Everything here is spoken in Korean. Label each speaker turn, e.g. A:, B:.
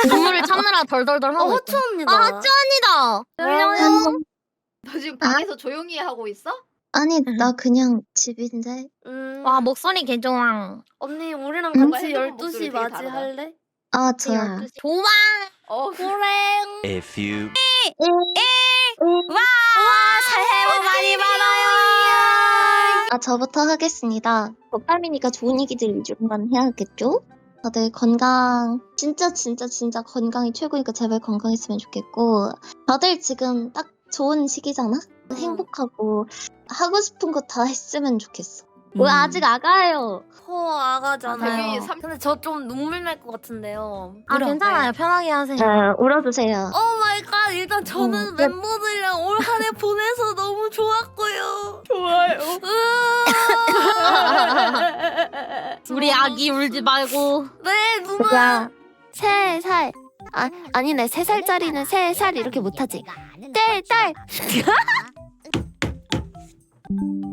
A: 눈물을 참느라 덜덜덜 하고
B: 하츠 언니다.
A: 아 하츠 언니다. 안녕.
C: 너 지금 방에서 조용히 하고 있어?
D: 아니 나 그냥 집인데.
A: 와 목소리 개좋아.
B: 언니 우리랑
D: 응?
B: 같이
C: 핸드폰
B: 12시
C: 목소리 되게
B: 맞이
C: 다르다.
B: 할래?
D: 아 좋아.
A: 좋아.
B: 고랭.
E: A few
A: 새해 복 많이 받아요.
D: 아 저부터 하겠습니다. 덕담이니까 좋은 얘기들 위주로만 해야겠죠? 다들 건강 진짜 건강이 최고니까 제발 건강했으면 좋겠고 다들 지금 딱 좋은 시기잖아? 행복하고 하고 싶은 거 다 했으면 좋겠어. 왜 아직 아가예요?
B: 아가잖아요.
C: 데뷔 삼-
B: 근데 저 좀 눈물 날 것 같은데요.
A: 아 괜찮아요. 편하게 하세요.
D: 울어주세요.
B: 오 마이 갓. 일단 저는
D: 네.
B: 멤버들이랑 올 한 해 보내서 너무 좋았고요.
C: 좋아요.
A: 우리 아기 울지 말고.
B: 네 누나. 3살. 아니네 3살짜리는 3살 이렇게 못하지. 딸.